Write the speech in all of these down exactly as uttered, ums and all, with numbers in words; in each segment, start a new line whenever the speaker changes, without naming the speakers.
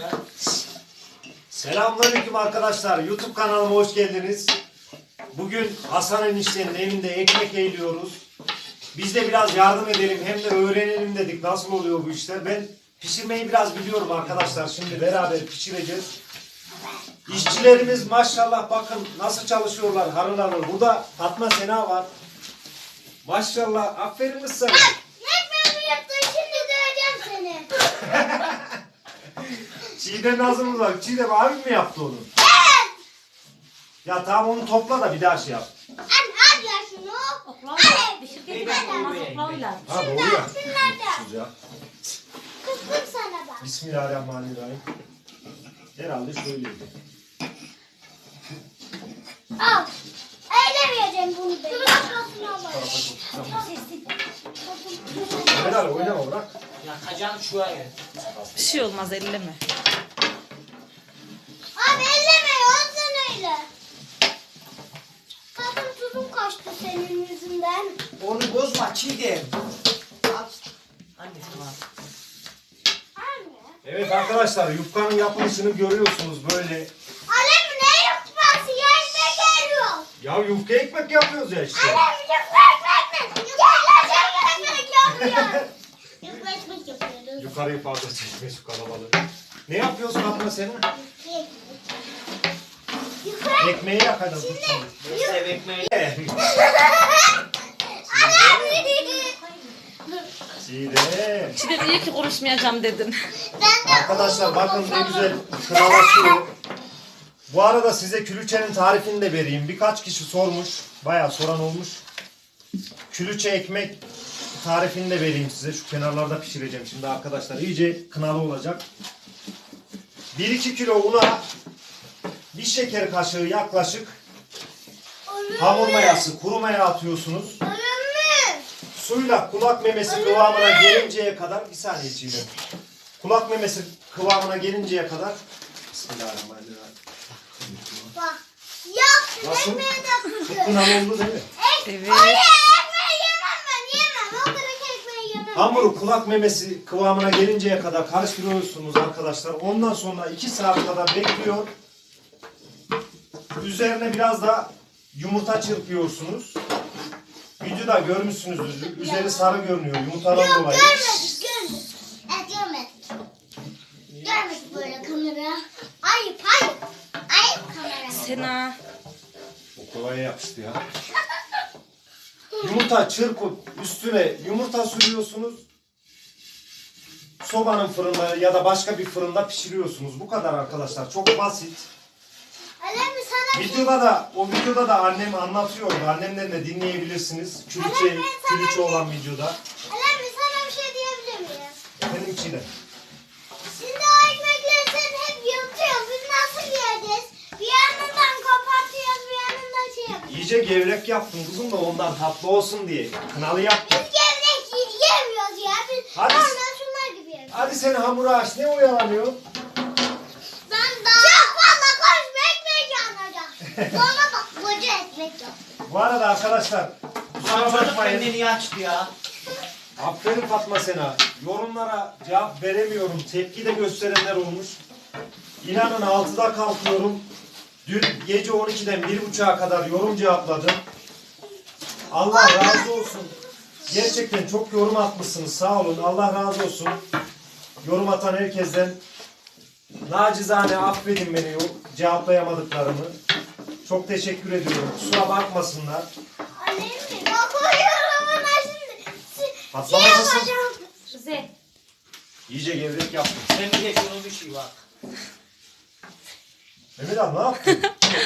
Selamünaleyküm arkadaşlar. YouTube kanalıma hoş geldiniz. Bugün Hasan eniştenin evinde ekmek eğiliyoruz. Biz de biraz yardım edelim hem de öğrenelim dedik nasıl oluyor bu işler. Ben pişirmeyi biraz biliyorum arkadaşlar. Şimdi beraber pişireceğiz. İşçilerimiz maşallah bakın nasıl çalışıyorlar harıl harıl. Burada Fatma Sena var. Maşallah aferin kız sana.
Ekmeğimi yaptın şimdi döveceğim seni.
Çiğdem Nazım'ız var. Çiğdem abim mi yaptı onu?
Evet.
Ya tamam onu topla da bir daha şey yap.
An al ya şunu.
Oklavla. Pişirken olmaz oklavla.
Ha doğru ya.
Şunlardan.
Sıcak.
Kızdım sana bak.
Bismillahirrahmanirrahim. Herhalde şöyleydi.
Al. Eylemeyeceğim bunu ben. Kafasına bak.
Mehmet Ali oynama bırak.
Yakacağım şuraya.
Bir şey olmaz elleme.
Abi elleme ya sen öyle. Tadım tuzum kaçtı senin yüzünden.
Onu bozma Çiğdem. Al. Anne şunu al.
Anne.
Evet arkadaşlar yufkanın yapılışını görüyorsunuz böyle.
Alem ne yutması ya ekmek geliyor.
Ya yufka ekmek yapıyoruz ya işte.
Alem yufka ekmek. Yufka ekmek yapıyor. Yufka ekmek yapıyoruz.
Yukarıyı fazla çekme şu kalabalığı. Ne yapıyorsun Fatma Sena?
Yufka
Ekmeği yakacağız.
Şimdi-
Neyse ekmeği.
Çiğdem.
Şimdi iyi ki konuşmayacağım dedin.
Ben de
Arkadaşlar bakın ne güzel kınalaşıyor. Bu arada size külüçenin tarifini de vereyim. Birkaç kişi sormuş. Bayağı soran olmuş. Külüçe ekmek tarifini de vereyim size. Şu kenarlarda pişireceğim şimdi arkadaşlar. İyice kınalı olacak. bir iki kilo una bir şeker kaşığı yaklaşık hamur mayası, kuru maya atıyorsunuz.
Ölümlü.
Suyla kulak memesi kıvamına gelinceye kadar bir saniye çiğnedim. Kulak memesi kıvamına gelinceye kadar Bismillahirrahmanirrahim.
Bak. Yaktın
Nasıl?
ekmeği de
Çok
kırdın.
kınalı oldu değil mi?
Evet.
Hayır ekmeği yemem ben yemem. O kadar ekmeği yemem.
Hamuru kulak memesi kıvamına gelinceye kadar karıştırıyorsunuz arkadaşlar. Ondan sonra iki saat kadar bekliyor. Üzerine biraz da yumurta çırpıyorsunuz. Videoda görmüşsünüzdür. Üzeri sarı görünüyor yumurtadan
Yok
dolayı.
görmedik görmedik. Evet görmedik. Görmedik böyle kamera. Ayıp ayıp. Ayıp kamera.
Sena.
O kolaya yapıştı ya. Yumurta çırpıp üstüne yumurta sürüyorsunuz. Sobanın fırında ya da başka bir fırında pişiriyorsunuz. Bu kadar arkadaşlar. Çok basit.
Alem sana bir şey...
Videoda da o videoda da annem anlatıyordu. Annemden de dinleyebilirsiniz. Külüçe, külüçe olan videoda.
Alem sana bir şey diyebilir miyim?
Benim içine.
Şimdi o ekmekleri sen hep yırtıyorsun. Biz nasıl yiyeceğiz? Bir yanından kapatıyoruz, bir yanından şey yapıyoruz.
İyice gevrek yaptım kızım da ondan tatlı olsun diye. Kınalı yaptım.
Biz gevrek y- yemiyoruz ya. Biz
Hadi.
normal şunlar gibi yiyoruz.
Hadi sen hamuru aç. Ne oyalanıyor?
Ben daha... Çok fazla konuşma ekmek yanacak. Sonra bak koca ekmek yok.
Bu arada arkadaşlar kusura
Ulan çocuk
bakmayın.
benden iyi açtı ya.
Aferin Fatma Sena. Yorumlara cevap veremiyorum. Tepki de gösterenler olmuş. İnanın altıda kalkıyorum. Dün gece on ikiden bir buçuğa kadar yorum cevapladım. Allah razı olsun. Gerçekten çok yorum atmışsınız. Sağ olun. Allah razı olsun. Yorum atan herkesten nacizane affedin beni cevaplayamadıklarımı. Çok teşekkür ediyorum. Kusura bakmasınlar.
Alem mi? Bak koyuyorum ona şimdi. Si-
Patlama
Şey
nasıl?
yapacağım.
Güzel.
İyice gevrek yaptım.
Sen bir de şunun bir şey bak.
Mehmet abi ne yaptın?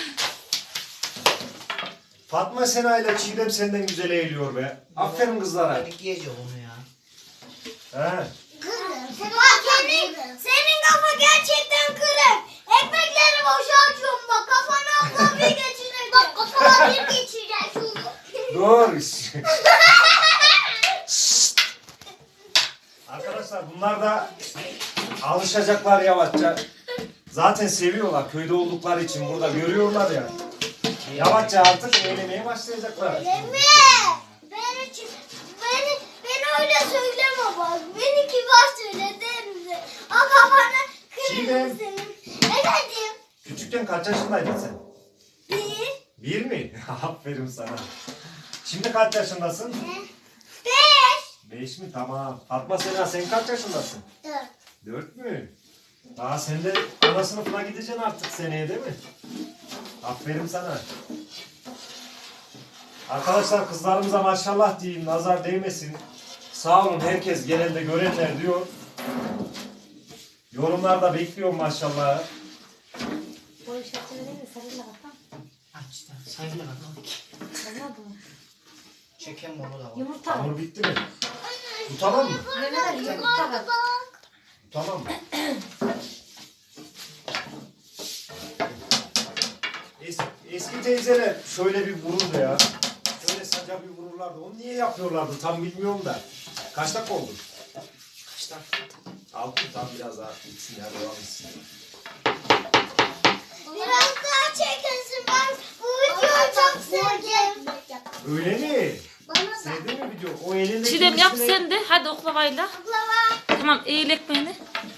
Fatma Sena ile Çiğdem senden güzel eğiliyor be. Aferin kızlara.
Ben yiyeceğim onu ya.
He.
Kırık. Bak senin, senin kafa gerçekten kırık. Ekmekleri boşa açıyorum bak. Kafana abla bir geçirecek. Bak kafana bir geçirecek.
Dur. Arkadaşlar bunlar da alışacaklar yavaşça. Zaten seviyorlar köyde oldukları için burada görüyorlar ya. Yavaşça artık eğlenmeye başlayacaklar.
Öyle mi? Beni, beni, beni öyle söyleme bak. Beni kibar söyle denize. O kafana kırık.
Çiğdem Efendim?
Efendim.
Küçükken kaç yaşındaydın sen?
Bir.
Bir mi? Aferin sana. Şimdi kaç yaşındasın?
Beş.
Beş mi? Tamam. Fatma Sena sen kaç yaşındasın?
Dört.
Dört mü? Daha sen de ana sınıfına gideceksin artık seneye değil mi? Aferin sana. Arkadaşlar kızlarımıza maşallah diyeyim, nazar değmesin. Sağ olun herkes genelde görenler diyor. Yorumlarda bekliyorum maşallah.
Boy şartları değil mi? Sarıyla bakalım.
Aç da sayılı bakalım.
Olmadı mı?
Çeken onu da var.
Yumurta var.
Hamur bitti mi? Bu tamam mı?
Mehmet Ali yumurta var.
Bu tamam mı? Es, eski teyzeler şöyle bir vururdu ya. Şöyle saca bir vururlardı. Onu niye yapıyorlardı tam bilmiyorum da. Kaç dakika oldu?
Kaç dakika?
Altı tam biraz daha bitsin ya devam etsin.
Biraz daha çekesin. Ben bu videoyu çok sevdim.
Öyle mi?
Bana da.
Sevdin mi video? O elindeki
Çiğdem yap
üstüne-
sen de. Hadi oklavayla.
Baklava.
Tamam eğil ekmeğini.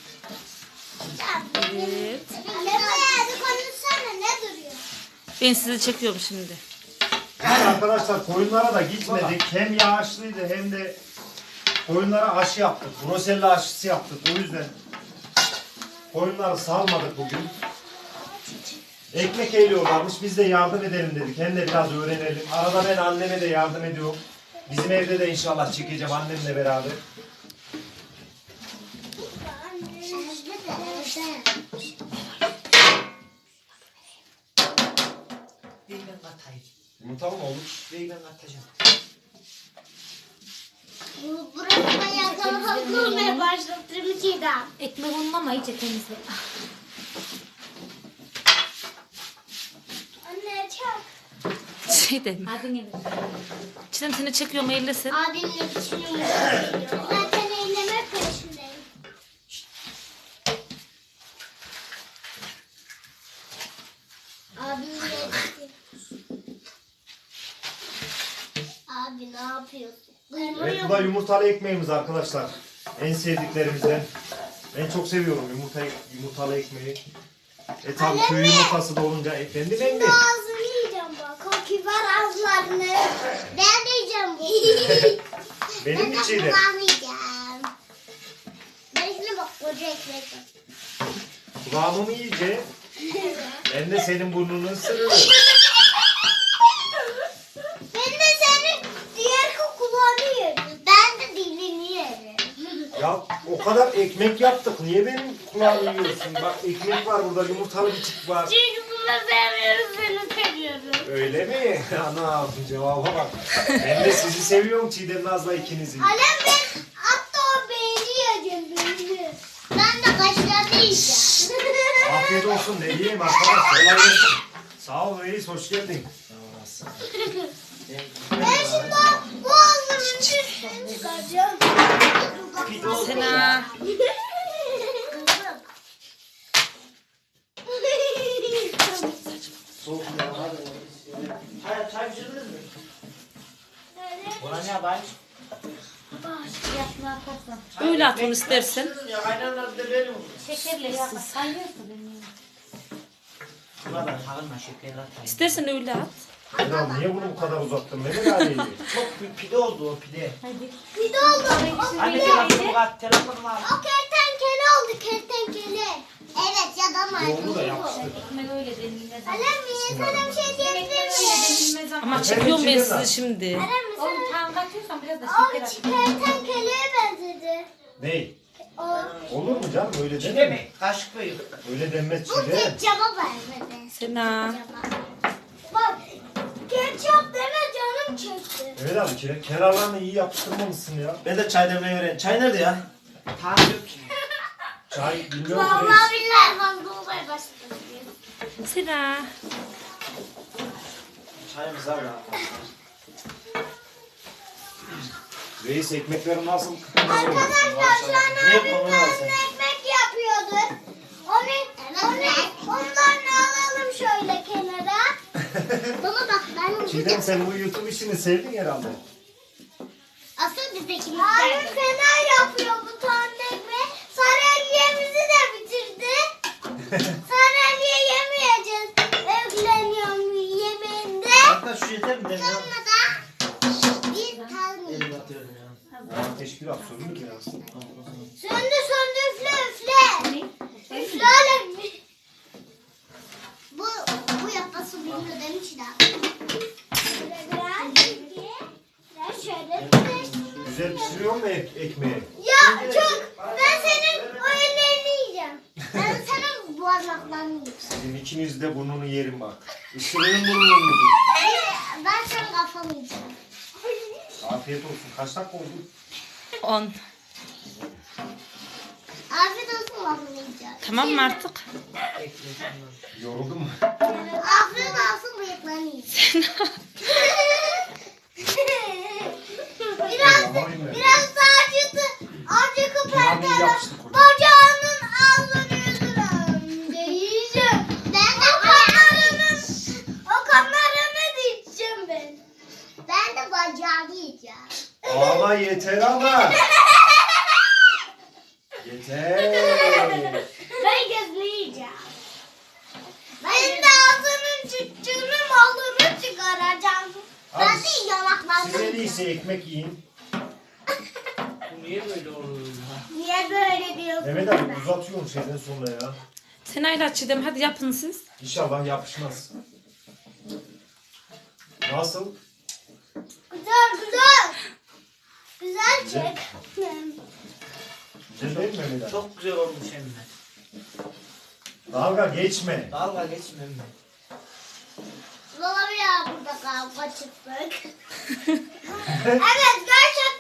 Evet.
Hadi konuşsana ne duruyor?
Ben sizi çekiyorum şimdi.
Yani arkadaşlar koyunlara da gitmedik. Hem yağışlıydı hem de koyunlara aşı yaptık. Brusella aşısı yaptık. O yüzden koyunları salmadık bugün. Ekmek eğliyorlarmış. Biz de yardım edelim dedik. Hem de biraz öğrenelim. Arada ben anneme de yardım ediyorum. Bizim evde de inşallah çekeceğim annemle beraber.
Bir ben katayım.
Yumurta mı olur?
Bir ben katacağım.
Bu burası bayağı kalabalık olmaya başlattığım Çiğdem.
Ekmek unlama iyice temizle.
Anne çak.
Çiğdem. Abin Çiğdem seni çekiyorum eğil sen.
Abimle düşünüyorum. Zaten eyleme peşindeyim. Abimle Abi ne yapıyorsun?
Evet bu da yumurtalı ekmeğimiz arkadaşlar. En sevdiklerimizden. Ben çok seviyorum yumurta, yumurtalı ekmeği. E tabi köy yumurtası da olunca efendim
Şimdi
emmi.
ağzını yiyeceğim bak. O kibar ağızlarını. Ben de yiyeceğim bu.
Benim
Ben de
içiydi.
kulağını yiyeceğim. Ben şimdi bak koca ekmek var.
Kulağımı mı yiyeceksin? Ben de senin burnunu ısırırım.
Ben de senin diğer kulağını yerim. Ben de dilini yerim.
Ya o kadar ekmek yaptık. Niye benim kulağımı yiyorsun? Bak ekmek var burada, yumurtalı bir tip var.
Çünkü bunu seviyoruz, seni seviyorum.
Öyle mi? Ana cevaba bak. Ben de sizi seviyorum Çiğdem Naz'la ikinizi.
Alem ben hatta o beyni yiyeceğim beyni. Ben de kaşlarını yiyeceğim.
Afiyet olsun ne diyeyim arkadaş. Kolay gelsin. Sağ ol reis hoş geldin.
Ben şimdi o boğazımın üstünü çıkaracağım.
Sena.
Soğuk ya hadi. Hayır çay pişirdiniz mi? Buna ne yapayım?
Yapma atarsan. Öyle at onu istersen.
Ya kaynarlar bir de benim.
Şekerle yap. Sayıyorsun beni.
Buna ben kalınma şeker atayım.
İstersen öyle at.
Ya niye bunu bu kadar uzattın? Ne kadar iyi.
Çok büyük pide oldu o pide.
Hadi.
Bir de oldu. O
Anne
pide.
telefonumu kat, telefonumu al.
O kertenkele oldu kertenkele. Evet ya da
Yoğurdu da yapıştır.
Ekmek öyle denilmez.
Alem mi? Sana bir şey diyebilir miyim?
Ama çekiyorum ben sizi şimdi.
Alem mi sana?
Oğlum tam katıyorsan biraz da
O
şeker at.
kertenkeleye benzedi.
Ney?
O.
Olur mu canım öyle
Çiğdem
denir mi?
mi? Kaşık koyuyor.
Öyle denmez
Bu
Çiğdem.
ketçaba benzedi.
Sena.
Bak ketçap deme canım çekti.
Evet abi ke- kenarlarını iyi yapıştırmamışsın ya.
Ben de çay demleyi öğren. Çay nerede ya?
Tam yok ki.
Çay bilmiyorum ki reis.
Vallahi billahi ben dolmaya başladım.
Sena.
Çayımız var ya.
Reis ekmekleri nasıl?
Arkadaşlar şu an
Ne
abim
yapmamı
benimle
lazım?
ekmek yapıyordu. Onu, onu, ondan alalım şöyle kenara. Baba bak ben
Çiğdem sen bu YouTube işini sevdin herhalde.
asıl bizdekini abim fena yapıyor bu tane ekmeği. Sarı ekmeğimizi de bitirdi. Sonra niye yemeyeceğiz? Evleniyorum yemeğinde.
Hatta şu yeter mi? Ben ya.
Sonra da bir tane.
Elimi atıyorum ya.
Ya ateş biraz söndü ki ya.
Söndü söndü üfle üfle. Üfle öyle. Bu, bu yapması bilmiyor demiş de. Şöyle biraz. Biraz şöyle.
Güzel pişiriyor mu ek ekmeği?
Ya çok. Ben senin o ellerini yiyeceğim. Ben senin parmaklarını yiyeceğim.
Sizin ikiniz de burnunu yerim bak. Isırırım burnunu.
Ben senin kafanı yiyeceğim.
Afiyet olsun. Kaç dakika oldu?
On.
Afiyet olsun kafanı yiyeceğim.
Tamam mı artık?
Yoruldun mu?
Afiyet olsun bıyıklarını yiyeceğim. biraz, biraz daha acıtı. Acıkı
Pilavı
perdeler.
yapıştık orada.
Bacağının ağzını yüzünü yiyeceğim. Ben de o kanlarını, o kanlarını da yiyeceğim ben. Ben de bacağını yiyeceğim.
Ama yeter ama. Yeter.
Ben gözünü yiyeceğim. Ben de ağzının çıktığını malını çıkaracağım.
Abi,
Ben de yanaklarını
Siz en
yiyeceğim.
iyisi ekmek yiyin.
Bu niye böyle oluyor ya?
Niye böyle diyorsun?
Mehmet abi uzatıyorsun şeyden sonra ya.
Senayla Çiğdem hadi yapın siz.
İnşallah yapışmaz. Nasıl?
Güzel güzel. Güzel
Güzel.
çek.
Güzel değil mi Mehmet abi?
Çok güzel olmuş hem de.
Dalga geçme.
Dalga geçme mi?
Baba ya burada kavga çıktık. Evet gerçekten